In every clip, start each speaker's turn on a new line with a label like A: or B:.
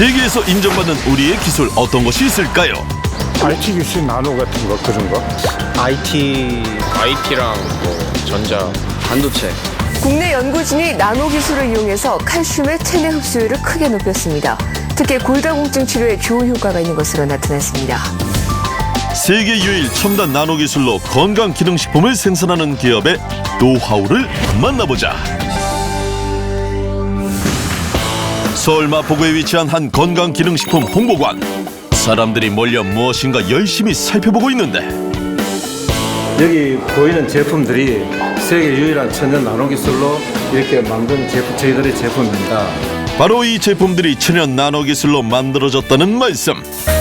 A: 세계에서 인정받는 우리의 기술 어떤 것이 있을까요?
B: IT 기술 나노 같은 거 그런 거.
C: IT랑 뭐 전자,
D: 반도체.
E: 국내 연구진이 나노 기술을 이용해서 칼슘의 체내 흡수율을 크게 높였습니다. 특히 골다공증 치료에 좋은 효과가 있는 것으로 나타났습니다.
A: 세계 유일 첨단 나노 기술로 건강 기능식품을 생산하는 기업의 노하우를 만나보자. 서울 마포구에 위치한 한 건강 기능식품 홍보관. 사람들이 몰려 무엇인가 열심히 살펴보고 있는데
B: 여기 보이는 제품들이 세계 유일한 천연 나노 기술로 이렇게 만든 제품, 저희들의 제품입니다.
A: 바로 이 제품들이 천연 나노 기술로 만들어졌다는 말씀.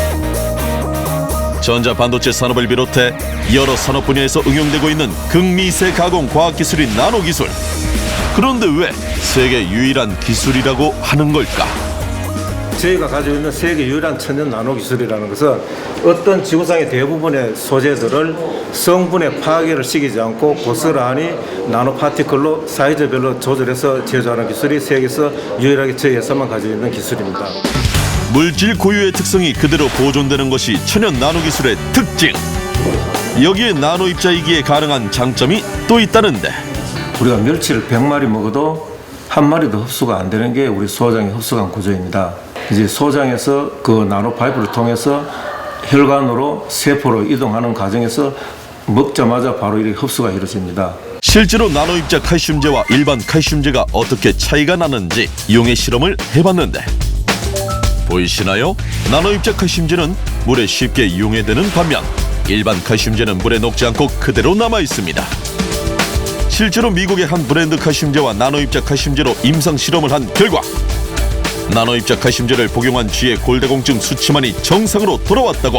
A: 전자 반도체 산업을 비롯해 여러 산업 분야에서 응용되고 있는 극미세 가공 과학 기술인 나노 기술. 그런데 왜 세계 유일한 기술이라고 하는 걸까?
B: 저희가 가지고 있는 세계 유일한 천연 나노 기술이라는 것은 어떤 지구상의 대부분의 소재들을 성분의 파괴를 시키지 않고 고스란히 나노 파티클로 사이즈별로 조절해서 제조하는 기술이 세계에서 유일하게 저희 회사만 가지고 있는 기술입니다.
A: 물질 고유의 특성이 그대로 보존되는 것이 천연 나노 기술의 특징. 여기에 나노 입자이기에 가능한 장점이 또 있다는데
B: 우리가 멸치를 100마리 먹어도 한 마리도 흡수가 안 되는 게 우리 소장의 흡수관 구조입니다. 이제 소장에서 그 나노 파이프를 통해서 혈관으로 세포로 이동하는 과정에서 먹자마자 바로 이렇게 흡수가 이루어집니다.
A: 실제로 나노 입자 칼슘제와 일반 칼슘제가 어떻게 차이가 나는지 용해 실험을 해봤는데 보이시나요? 나노 입자 칼슘제는 물에 쉽게 용해되는 반면 일반 칼슘제는 물에 녹지 않고 그대로 남아 있습니다. 실제로 미국의 한 브랜드 칼슘제와 나노 입자 칼슘제로 임상 실험을 한 결과 나노 입자 칼슘제를 복용한 쥐의 골다공증 수치만이 정상으로 돌아왔다고.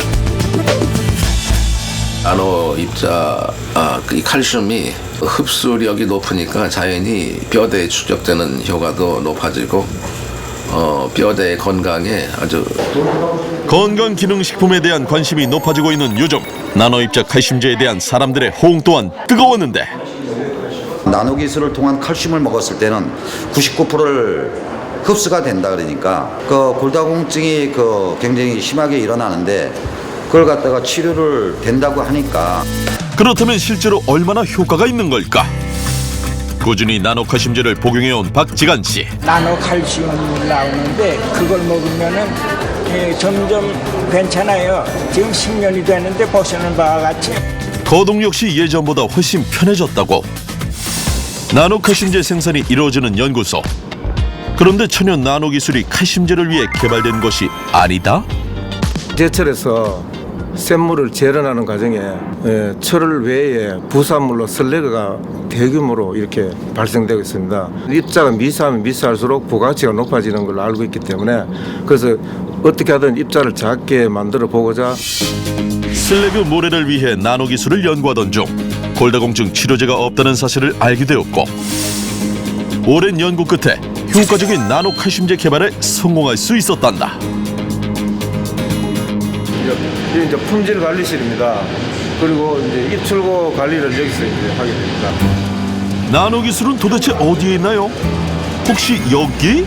D: 나노 입자 이 칼슘이 흡수력이 높으니까 자연히 뼈대에 축적되는 효과도 높아지고 뼈대 건강에 아주
A: 건강기능식품에 대한 관심이 높아지고 있는 요즘 나노 입자 칼슘제에 대한 사람들의 호응 또한 뜨거웠는데
F: 나노 기술을 통한 칼슘을 먹었을 때는 99%를 흡수가 된다 그러니까 그 골다공증이 굉장히 심하게 일어나는데 그걸 갖다가 치료를 된다고 하니까
A: 그렇다면 실제로 얼마나 효과가 있는 걸까? 꾸준히 나노 칼슘제를 복용해온 박지간 씨.
G: 나노 칼슘 나오는데 그걸 먹으면은 점점 괜찮아요. 지금 10년이 됐는데 보시는 바와 같이
A: 거동 역시 예전보다 훨씬 편해졌다고. 나노 칼슘제 생산이 이루어지는 연구소. 그런데 천연 나노 기술이 칼슘제를 위해 개발된 것이 아니다?
B: 제철에서 샘물을 재련하는 과정에 철을 외에 부산물로 슬래그가 대규모로 이렇게 발생되고 있습니다. 입자가 미세하면 미세할수록 부가가치가 높아지는 걸로 알고 있기 때문에 그래서 어떻게 하든 입자를 작게 만들어 보고자
A: 슬래그 모래를 위해 나노 기술을 연구하던 중 골다공증 치료제가 없다는 사실을 알게 되었고 오랜 연구 끝에 효과적인 나노 칼슘제 개발에 성공할 수 있었단다.
B: 이제 품질 관리실입니다. 그리고 이제 입출고 관리를 여기서 이제 하게 됩니다.
A: 나노 기술은 도대체 어디에 있나요? 혹시 여기?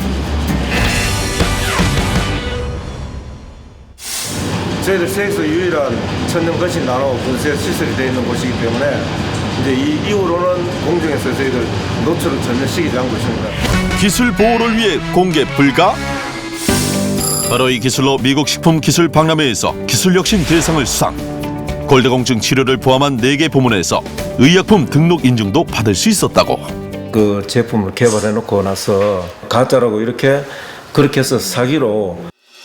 B: 저희들 세계에서 유일한 천연 거실 나노 분쇄 시설이 되어 있는 곳이기 때문에 이제 이 이후로는 공중에서 저희들 노출을 전혀 시키지 않고 있습니다.
A: 기술 보호를 위해 공개 불가? 바로 이 기술로 미국 식품기술박람회에서 기술혁신 대상을 수상. 골다공증 치료를 포함한 4개 부문에서 의약품 등록 인증도 받을 수 있었다고.
B: 그 제품을 개발해 놓고 나서 가짜라고 그렇게 해서 사기로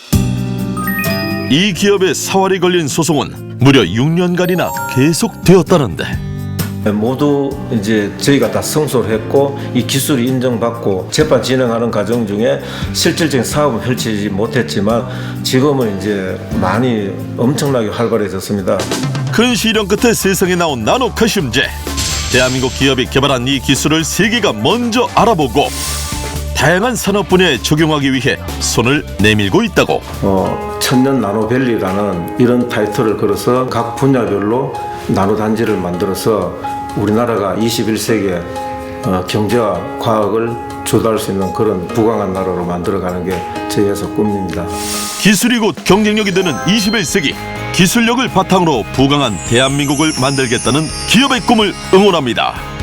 A: 이 기업의 사활이 걸린 소송은 무려 6년간이나 계속되었다는데
B: 모두 이제 저희가 다 승소를 했고 이 기술이 인정받고 재판 진행하는 과정 중에 실질적인 사업은 펼치지 못했지만 지금은 이제 많이 엄청나게 활발해졌습니다.
A: 큰 시련 끝에 세상에 나온 나노 칼슘제. 대한민국 기업이 개발한 이 기술을 세계가 먼저 알아보고 다양한 산업 분야에 적용하기 위해 손을 내밀고 있다고.
B: 천년 나노밸리라는 이런 타이틀을 걸어서 각 분야별로 나노단지를 만들어서 우리나라가 21세기에 경제와 과학을 주도할 수 있는 그런 부강한 나라로 만들어가는 게 제 회사 꿈입니다.
A: 기술이 곧 경쟁력이 되는 21세기, 기술력을 바탕으로 부강한 대한민국을 만들겠다는 기업의 꿈을 응원합니다.